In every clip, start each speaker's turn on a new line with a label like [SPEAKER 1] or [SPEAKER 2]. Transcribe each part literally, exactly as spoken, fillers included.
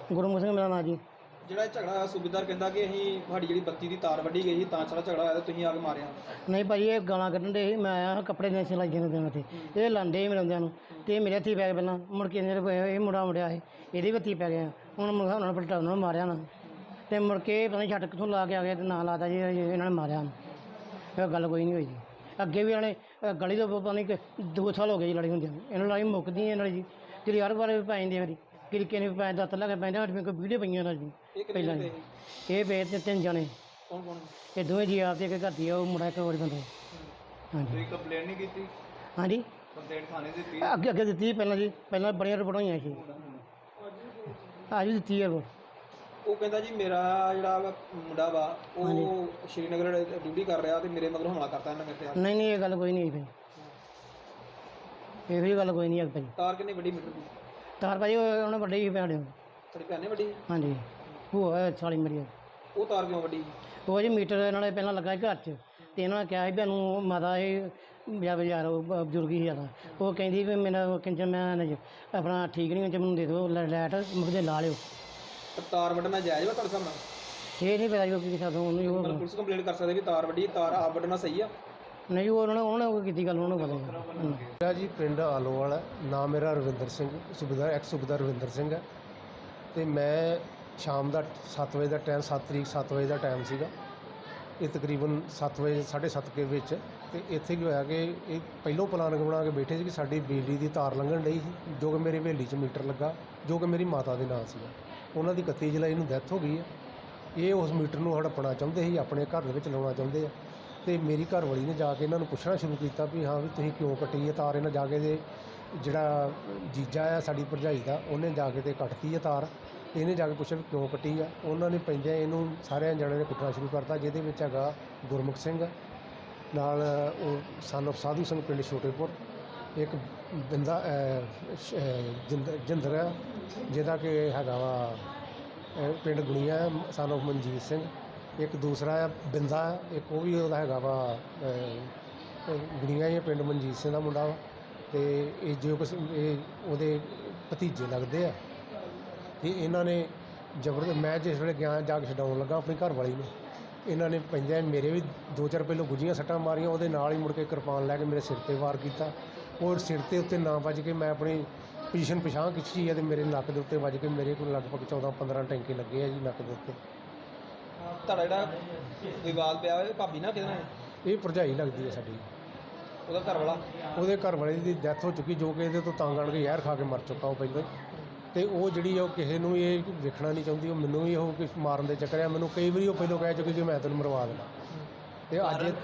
[SPEAKER 1] ਗੁਰਮੁਖ ਸਿੰਘ ਮੇਰਾ ਨਾਂ ਜੀ।
[SPEAKER 2] ਜਿਹੜਾ ਇਹ ਝਗੜਾ ਹੋਇਆ ਸੂਬੇਦਾਰ ਕਹਿੰਦਾ ਕਿ ਅਸੀਂ ਤੁਹਾਡੀ ਜਿਹੜੀ ਬੱਤੀ ਦੀ ਤਾਰ ਵੱਢੀ ਗਈ ਸੀ ਤਾਂ ਸਾਰਾ ਝਗੜਾ ਹੋਇਆ ਤੇ ਤੁਸੀਂ ਆ ਕੇ ਮਾਰਿਆ।
[SPEAKER 1] ਨਹੀਂ ਭਾਜੀ, ਇਹ ਗਾਲਾਂ ਕੱਢਣ ਦੇ ਸੀ। ਮੈਂ ਆਇਆ ਕੱਪੜੇ ਦੇ ਸਿਲਾਈ ਦੇ ਦੇਣ ਤੇ ਇਹ ਲਾਂਦੇ ਮੇਰੇ ਬੰਦਿਆਂ ਨੂੰ ਤੇ ਮੇਰੇ ਹੱਥੀ ਪੈ ਗਏ। ਪਹਿਲਾਂ ਮੁੜ ਕੇ ਇਹ ਮੁੰਡਾ ਮੁੜਿਆ ਇਹ ਇਹਦੇ ਹੱਥੀ ਪੈ ਗਿਆ। ਹੁਣ ਉਹਨਾਂ ਨੇ ਪਲਟਾ ਉਹਨਾਂ ਨੂੰ ਮਾਰਿਆ ਨਾ ਤੇ ਮੁੜ ਕੇ ਪਤਾ ਨਹੀਂ ਛੱਟ ਕਿੱਥੋਂ ਲਾ ਕੇ ਆ ਗਿਆ ਤੇ ਨਾਂ ਲਾਤਾ ਜੀ ਇਹਨਾਂ ਨੇ ਮਾਰਿਆ। ਇਹ ਗੱਲ ਕੋਈ ਨਹੀਂ ਹੋਈ ਜੀ। ਅੱਗੇ ਵੀ ਇਹਨਾਂ ਨੇ ਗਲੀ ਤੋਂ ਪਤਾ ਨਹੀਂ ਕਿ ਦੋ ਸਾਲ ਹੋ ਗਏ ਜੀ ਲੜੀ ਹੁੰਦੀ ਇਹਨਾਂ ਲੜਾਈ ਮੁੱਕਦੀ ਇਹਨਾਂ ਦੀ ਜੀ। ਜਿਹੜੀ ਹਰ ਵਾਰ ਪੈ ਜਾਂਦੀ ਮੇਰੀ ਕਿਰਕੇ ਨੇ ਪੈ ਦੱਤ ਲਾ ਕੇ ਪੈਂਦੇ ਸਾਡੇ ਕੋਲ ਵੀਡੀਓ ਪਈਆਂ ਨਾਲ ਜੀ। ਪਹਿਲਾਂ ਇਹ ਪਏ ਤੇ ਤਿੰਨ ਜਣੇ
[SPEAKER 2] ਕੌਣ ਕੌਣ
[SPEAKER 1] ਇਹ ਦੋਵੇਂ ਜੀ ਆਪ ਤੇ ਇੱਕ ਘਰ ਦੀ ਆ ਉਹ ਮੁੰਡਾ ਇੱਕ ਹੋਰ ਬੰਦਾ। ਹਾਂਜੀ
[SPEAKER 2] ਤੁਸੀਂ ਕੰਪਲੇਂਟ ਨਹੀਂ ਕੀਤੀ?
[SPEAKER 1] ਹਾਂਜੀ
[SPEAKER 2] ਕੰਪਲੇਂਟ ਥਾਣੇ ਦਿੱਤੀ?
[SPEAKER 1] ਅੱਗੇ ਅੱਗੇ ਦਿੱਤੀ ਪਹਿਲਾਂ ਜੀ। ਪਹਿਲਾਂ ਬੜੀਆਂ ਰਿਪੋਰਟਾਂ ਹੋਈਆਂ ਸੀ। ਅੱਜ ਵੀ ਦਿੱਤੀ ਹੈ ਰਿਪੋਰਟ।
[SPEAKER 2] ਉਹ ਕਹਿੰਦਾ ਜੀ ਮੇਰਾ ਜਿਹੜਾ ਮੁੰਡਾ ਵਾ ਉਹ ਸ਼੍ਰੀਨਗਰ ਡਿਊਟੀ ਕਰ ਰਿਹਾ ਤੇ ਮੇਰੇ ਮਗਰ ਹਮਲਾ ਕਰਤਾ ਇਹਨਾਂ ਮੇਰੇ ਤੇ।
[SPEAKER 1] ਨਹੀਂ ਨਹੀਂ ਇਹ ਗੱਲ ਕੋਈ ਨਹੀਂ ਭਾਈ, ਇਹ ਵੀ ਗੱਲ ਕੋਈ ਨਹੀਂ ਹੈ ਭਾਈ।
[SPEAKER 2] ਤਾਰ ਕਿੰਨੀ ਵੱਡੀ ਮੀਟਰ ਦੀ
[SPEAKER 1] ਤਾਰ ਭਾਜੀ ਉਹਨੇ ਵੱਡੀ ਸੀ ਭੈਣ।
[SPEAKER 2] ਤੁਹਾਡੀ ਭੈਣ ਨੇ ਵੱਡੀ?
[SPEAKER 1] ਹਾਂਜੀ ਉਹ ਸਾਲੀ ਮੇਰੀ।
[SPEAKER 2] ਉਹ ਤਾਰ ਕਿਉਂ ਵੱਡੀ?
[SPEAKER 1] ਉਹ ਜੀ ਮੀਟਰ ਇਹਨਾਂ ਨੇ ਪਹਿਲਾਂ ਲੱਗਾ ਘਰ 'ਚ ਤੇ ਇਹਨਾਂ ਨੇ ਕਿਹਾ ਸੀ ਵੀ ਇਹਨੂੰ ਮਾਤਾ ਇਹ ਯਾਰ ਯਾਰ ਬਜ਼ੁਰਗ ਹੀ ਜ਼ਿਆਦਾ। ਉਹ ਕਹਿੰਦੀ ਵੀ ਮੇਰਾ ਕਿੰਜਰ ਮੈਂ ਆਪਣਾ ਠੀਕ ਨਹੀਂ ਹੁੰਦਾ ਮੈਨੂੰ ਦੇ ਦਿਓ ਲਾਈਟ ਮੁਕਦੇ ਲਾ ਲਿਓ।
[SPEAKER 2] ਤਾਰ ਵੱਢਣਾ ਜਾਇਜ਼ ਵਾ ਤੁਹਾਡੇ ਹਿਸਾਬ ਨਾਲ?
[SPEAKER 1] ਇਹ ਨਹੀਂ ਪਤਾ ਜੀ ਉਹ ਕੀ ਸਕਦਾ ਉਹਨੂੰ।
[SPEAKER 2] ਪੁਲਿਸ ਕੰਪਲੇਂਟ ਕਰ ਸਕਦੇ ਵੀ ਤਾਰ ਵੱਡੀ ਤਾਰ ਆਪ ਵੱਢਣਾ ਸਹੀ ਆ?
[SPEAKER 1] ਨਹੀਂ ਉਹ ਉਹਨਾਂ ਨੇ ਉਹਨਾਂ ਨੇ ਕੀਤੀ ਗੱਲ ਉਹਨੂੰ ਪਤਾ।
[SPEAKER 3] ਮੇਰਾ ਜੀ ਪਿੰਡ ਆਲੋਵਾਲ ਹੈ। ਨਾਮ ਮੇਰਾ ਰਵਿੰਦਰ ਸਿੰਘ ਸੂਬੇਦਾਰ ਐਕਸ ਸੂਬੇਦਾਰ ਰਵਿੰਦਰ ਸਿੰਘ ਹੈ ਅਤੇ ਮੈਂ ਸ਼ਾਮ ਦਾ ਸੱਤ ਵਜੇ ਦਾ ਟਾਈਮ ਸੱਤ ਤਰੀਕ ਸੱਤ ਵਜੇ ਦਾ ਟਾਈਮ ਸੀਗਾ। ਇਹ ਤਕਰੀਬਨ ਸੱਤ ਵਜੇ ਸਾਢੇ ਸੱਤ ਕੇ ਵਿੱਚ ਅਤੇ ਇੱਥੇ ਕੀ ਹੋਇਆ ਕਿ ਇਹ ਪਹਿਲੋਂ ਪਲਾਨ ਬਣਾ ਕੇ ਬੈਠੇ ਸੀ ਕਿ ਸਾਡੀ ਬਿਜਲੀ ਦੀ ਤਾਰ ਲੰਘਣ ਡਈ ਸੀ ਜੋ ਕਿ ਮੇਰੀ ਹਵੇਲੀ 'ਚ ਮੀਟਰ ਲੱਗਾ ਜੋ ਕਿ ਮੇਰੀ ਮਾਤਾ ਦੇ ਨਾਂ ਸੀਗਾ। ਉਹਨਾਂ ਦੀ ਇਕੱਤੀ ਜੁਲਾਈ ਨੂੰ ਡੈਥ ਹੋ ਗਈ ਹੈ। ਇਹ ਉਸ ਮੀਟਰ ਨੂੰ ਹੜੱਪਣਾ ਚਾਹੁੰਦੇ ਸੀ, ਆਪਣੇ ਘਰ ਦੇ ਵਿੱਚ ਲਾਉਣਾ ਚਾਹੁੰਦੇ ਆ ਅਤੇ ਮੇਰੀ ਘਰਵਾਲੀ ਨੇ ਜਾ ਕੇ ਇਹਨਾਂ ਨੂੰ ਪੁੱਛਣਾ ਸ਼ੁਰੂ ਕੀਤਾ ਵੀ ਹਾਂ ਵੀ ਤੁਸੀਂ ਕਿਉਂ ਕੱਟੀ ਹੈ ਤਾਰ। ਇਹਨਾਂ ਜਾ ਕੇ ਦੇ ਜਿਹੜਾ ਜੀਜਾ ਆ ਸਾਡੀ ਭਰਜਾਈ ਦਾ ਉਹਨੇ ਜਾ ਕੇ ਤੇ ਕੱਟਤੀ ਹੈ ਤਾਰ। ਇਹਨੇ ਜਾ ਕੇ ਪੁੱਛਿਆ ਵੀ ਕਿਉਂ ਕੱਟੀ ਆ। ਉਹਨਾਂ ਨੇ ਪੈਂਦਿਆਂ ਇਹਨੂੰ ਸਾਰਿਆਂ ਜਣਿਆਂ ਨੇ ਕੁੱਟਣਾ ਸ਼ੁਰੂ ਕਰਤਾ ਜਿਹਦੇ ਵਿੱਚ ਹੈਗਾ ਗੁਰਮੁਖ ਸਿੰਘ ਨਾਲ ਉਹ ਸਨ ਸਾਧੂ ਸਿੰਘ ਪਿੰਡ ਛੋਟੇਪੁਰ, ਇੱਕ ਬਿੰਦਾ ਜਿੰਦਰ ਆ ਜਿਹਦਾ ਕਿ ਹੈਗਾ ਵਾ ਪਿੰਡ ਗੁਣੀਆ ਸਨ ਆਫ ਮਨਜੀਤ ਸਿੰਘ, ਇੱਕ ਦੂਸਰਾ ਆ ਬਿੰਦਾ ਇੱਕ ਉਹ ਵੀ ਉਹਦਾ ਹੈਗਾ ਵਾ ਗੁਣੀਆ ਹੀ ਪਿੰਡ ਮਨਜੀਤ ਸਿੰਘ ਦਾ ਮੁੰਡਾ ਵਾ ਅਤੇ ਇਹ ਜੋ ਕੁਛ ਇਹ ਉਹਦੇ ਭਤੀਜੇ ਲੱਗਦੇ ਆ। ਅਤੇ ਇਹਨਾਂ ਨੇ ਜ਼ਬਰਦਸਤ ਮੈਂ ਜਿਸ ਵੇਲੇ ਗਿਆ ਜਾ ਕੇ ਛਡਾਉਣ ਲੱਗਾ ਆਪਣੀ ਘਰਵਾਲੀ ਨੂੰ ਇਹਨਾਂ ਨੇ ਪੈਂਦਿਆਂ ਮੇਰੇ ਵੀ ਦੋ ਚਾਰ ਪਹਿਲੋਂ ਗੁੱਝੀਆਂ ਸੱਟਾਂ ਮਾਰੀਆਂ। ਉਹਦੇ ਨਾਲ ਹੀ ਮੁੜ ਕੇ ਕਿਰਪਾਨ ਲੈ ਕੇ ਮੇਰੇ ਸਿਰ 'ਤੇ ਵਾਰ ਕੀਤਾ। ਔਰ ਸਿਰ ਦੇ ਉੱਤੇ ਨਾ ਵੱਜ ਕੇ ਮੈਂ ਆਪਣੀ ਪੋਜੀਸ਼ਨ ਪਛਾਣ ਖਿੱਚੀ ਹੈ ਅਤੇ ਮੇਰੇ ਨੱਕ ਦੇ ਉੱਤੇ ਵੱਜ ਕੇ ਮੇਰੇ ਕੋਲ ਲਗਭਗ ਚੌਦਾਂ ਪੰਦਰਾਂ ਟੈਂਕੇ ਲੱਗੇ ਆ ਜੀ ਨੱਕ ਦੇ ਉੱਤੇ।
[SPEAKER 2] ਤੁਹਾਡਾ ਜਿਹੜਾ ਵਿਵਾਦ ਪਿਆ ਹੋਇਆ ਭਾਬੀ ਨਾਲ ਕਿਹਦੇ ਨਾਲ?
[SPEAKER 3] ਇਹ ਭਰਜਾਈ ਲੱਗਦੀ ਹੈ ਸਾਡੀ।
[SPEAKER 2] ਉਹਦਾ ਘਰ ਵਾਲਾ? ਉਹਦੇ
[SPEAKER 3] ਘਰ ਵਾਲੇ ਦੀ ਡੈਥ ਹੋ ਚੁੱਕੀ ਜੋ ਕਿ ਇਹਦੇ ਤੋਂ ਤੰਗ ਆਣ ਕੇ ਜ਼ਹਿਰ ਖਾ ਕੇ ਮਰ ਚੁੱਕਾ ਉਹ ਪਹਿਲਾਂ ਹੀ। ਅਤੇ ਉਹ ਜਿਹੜੀ ਉਹ ਕਿਸੇ ਨੂੰ ਇਹ ਵੇਖਣਾ ਨਹੀਂ ਚਾਹੁੰਦੀ। ਉਹ ਮੈਨੂੰ ਵੀ ਉਹ ਮਾਰਨ ਦੇ ਚੱਕਰ ਆ। ਮੈਨੂੰ ਕਈ ਵਾਰੀ ਉਹ ਪਹਿਲਾਂ ਕਹਿ ਚੁੱਕੀ ਕਿ ਮੈਂ ਤੈਨੂੰ ਮਰਵਾ ਦੇਣਾ। ਅਤੇ ਅੱਜ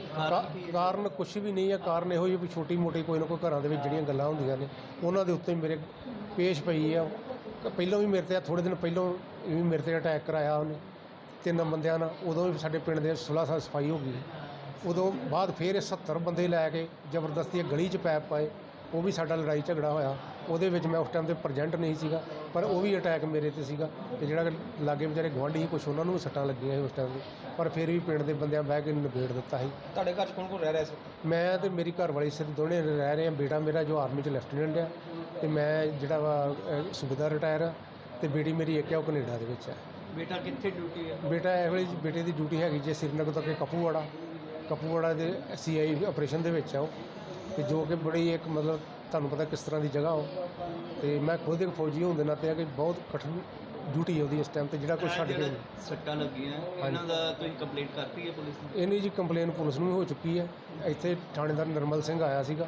[SPEAKER 3] ਕਾਰਨ ਕੁਛ ਵੀ ਨਹੀਂ ਹੈ। ਕਾਰਨ ਇਹੋ ਜਿਹੀ ਵੀ ਛੋਟੀ ਮੋਟੀ ਕੋਈ ਨਾ ਕੋਈ ਘਰਾਂ ਦੇ ਵਿੱਚ ਜਿਹੜੀਆਂ ਗੱਲਾਂ ਹੁੰਦੀਆਂ ਨੇ ਉਹਨਾਂ ਦੇ ਉੱਤੇ ਮੇਰੇ ਪੇਸ਼ ਪਈ ਆ। ਪਹਿਲਾਂ ਵੀ ਮੇਰੇ 'ਤੇ ਥੋੜ੍ਹੇ ਦਿਨ ਪਹਿਲਾਂ ਵੀ ਮੇਰੇ 'ਤੇ ਅਟੈਕ ਕਰਾਇਆ ਉਹਨੇ ਤਿੰਨ ਬੰਦਿਆਂ ਨਾਲ। ਉਦੋਂ ਵੀ ਸਾਡੇ ਪਿੰਡ ਦੇ ਸੋਲ੍ਹਾਂ ਸਾਲ ਸਫਾਈ ਹੋ ਗਈ। ਉਦੋਂ ਬਾਅਦ ਫਿਰ ਇਹ ਸੱਤਰ ਬੰਦੇ ਲੈ ਕੇ ਜ਼ਬਰਦਸਤੀ ਗਲੀ 'ਚ ਪੈਪ ਪਾਏ। ਉਹ ਵੀ ਸਾਡਾ ਲੜਾਈ ਝਗੜਾ ਹੋਇਆ। ਉਹਦੇ ਵਿੱਚ ਮੈਂ ਉਸ ਟਾਈਮ 'ਤੇ ਪ੍ਰਜੈਂਟ ਨਹੀਂ ਸੀਗਾ ਪਰ ਉਹ ਵੀ ਅਟੈਕ ਮੇਰੇ 'ਤੇ ਸੀਗਾ। ਅਤੇ ਜਿਹੜਾ ਲਾਗੇ ਵਿਚਾਰੇ ਗੁਆਂਢੀ ਸੀ ਕੁਛ ਉਹਨਾਂ ਨੂੰ ਵੀ ਸੱਟਾਂ ਲੱਗੀਆਂ ਸੀ ਉਸ ਟਾਈਮ 'ਤੇ ਪਰ ਫਿਰ ਵੀ ਪਿੰਡ ਦੇ ਬੰਦਿਆਂ ਬਹਿ ਕੇ ਨਿਬੇੜ ਦਿੱਤਾ ਸੀ।
[SPEAKER 2] ਤੁਹਾਡੇ ਘਰ 'ਚ ਕੌਣ ਕੌਣ ਰਹਿ ਰਿਹਾ ਸੀ?
[SPEAKER 3] ਮੈਂ ਅਤੇ ਮੇਰੀ ਘਰਵਾਲੀ ਸਿਰ ਦੋਨੇ ਰਹਿ ਰਹੇ ਹਾਂ। ਬੇਟਾ ਮੇਰਾ ਜੋ ਆਰਮੀ 'ਚ ਲੈਫਟੀਨੈਂਟ ਆ ਅਤੇ ਮੈਂ ਜਿਹੜਾ ਵਾ ਸੂਬੇਦਾਰ ਰਿਟਾਇਰ ਆ ਅਤੇ ਬੇਟੀ ਮੇਰੀ ਇੱਕ ਆ ਉਹ ਕੈਨੇਡਾ ਦੇ ਵਿੱਚ ਹੈ।
[SPEAKER 2] ਬੇਟਾ ਕਿੱਥੇ ਡਿਊਟੀ ਹੈ?
[SPEAKER 3] ਬੇਟਾ ਇਹ ਵੇਲੇ ਬੇਟੇ ਦੀ ਡਿਊਟੀ ਹੈਗੀ ਜੇ ਸ੍ਰੀਨਗਰ ਤੋਂ ਕਿ ਕਪੂਵਾੜਾ ਕਪੂਵਾੜਾ ਦੇ ਸੀ ਆਈ ਆਪਰੇਸ਼ਨ ਦੇ ਵਿੱਚ ਆ ਉਹ। ਅਤੇ ਜੋ ਕਿ ਬੜੀ ਇੱਕ ਮਤਲਬ ਤੁਹਾਨੂੰ ਪਤਾ ਕਿਸ ਤਰ੍ਹਾਂ ਦੀ ਜਗ੍ਹਾ ਉਹ। ਅਤੇ ਮੈਂ ਖੁਦ ਇੱਕ ਫੌਜੀ ਹੋਣ ਦੇ ਨਾਤੇ ਆ ਕਿ ਬਹੁਤ ਕਠਿਨ ਡਿਊਟੀ ਹੈ ਉਹਦੀ ਇਸ ਟਾਈਮ 'ਤੇ ਜਿਹੜਾ ਕੁਛ ਛੱਡ ਕੇ
[SPEAKER 2] ਸੱਟਾਂ ਲੱਗੀਆਂ ਇਹਨਾਂ ਦਾ ਤੁਸੀਂ ਕੰਪਲੇਂਟ ਕਰਤੀ ਹੈ ਪੁਲਿਸ ਨੂੰ?
[SPEAKER 3] ਇਹਨੀ ਜੀ ਕੰਪਲੇਨ ਪੁਲਿਸ ਨੂੰ ਵੀ ਹੋ ਚੁੱਕੀ ਹੈ। ਇੱਥੇ ਥਾਣੇਦਾਰ ਨਿਰਮਲ ਸਿੰਘ ਆਇਆ ਸੀਗਾ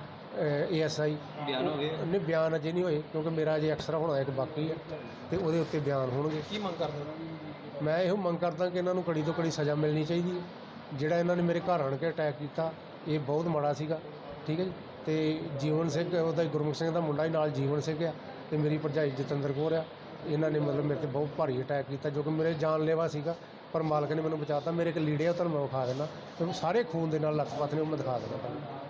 [SPEAKER 3] ਏ ਐਸ ਆਈ।
[SPEAKER 2] ਬਿਆਨ ਹੋ ਗਏ? ਨਹੀਂ
[SPEAKER 3] ਬਿਆਨ ਅਜੇ ਨਹੀਂ ਹੋਏ ਕਿਉਂਕਿ ਮੇਰਾ ਅਜੇ ਐਕਸਰਾ ਹੋਣਾ ਇੱਕ ਬਾਕੀ ਹੈ ਅਤੇ ਉਹਦੇ ਉੱਤੇ ਬਿਆਨ ਹੋਣਗੇ।
[SPEAKER 2] ਕੀ ਮੰਗ ਕਰਦੇ?
[SPEAKER 3] ਮੈਂ ਇਹੋ ਮੰਗ ਕਰਦਾ ਕਿ ਇਹਨਾਂ ਨੂੰ ਕੜੀ ਤੋਂ ਕੜੀ ਸਜ਼ਾ ਮਿਲਣੀ ਚਾਹੀਦੀ ਹੈ। ਜਿਹੜਾ ਇਹਨਾਂ ਨੇ ਮੇਰੇ ਘਰ ਆਣ ਕੇ ਅਟੈਕ ਕੀਤਾ ਇਹ ਬਹੁਤ ਮਾੜਾ ਸੀਗਾ। ਠੀਕ ਹੈ ਜੀ। ਅਤੇ ਜੀਵਨ ਸਿੰਘ ਉਹਦਾ ਗੁਰਮੁਖ ਸਿੰਘ ਦਾ ਮੁੰਡਾ ਹੀ ਨਾਲ ਜੀਵਨ ਸਿੰਘ ਆ ਅਤੇ ਮੇਰੀ ਭਰਜਾਈ ਜਤਿੰਦਰ ਕੌਰ ਆ। ਇਹਨਾਂ ਨੇ ਮਤਲਬ ਮੇਰੇ 'ਤੇ ਬਹੁਤ ਭਾਰੀ ਅਟੈਕ ਕੀਤਾ ਜੋ ਕਿ ਮੇਰੇ ਜਾਨਲੇਵਾ ਸੀਗਾ ਪਰ ਮਾਲਕ ਨੇ ਮੈਨੂੰ ਬਚਾਤਾ। ਮੇਰੇ ਇੱਕ ਲੀੜੇ ਆ ਤੁਹਾਨੂੰ ਮੈਂ ਵਿਖਾ ਦੇਣਾ ਅਤੇ ਸਾਰੇ ਖੂਨ ਦੇ ਨਾਲ ਲੱਥ ਪੱਥ ਨੇ ਉਹ ਮੈਂ ਦਿਖਾ ਦੇਣਾ ਤੁਹਾਨੂੰ।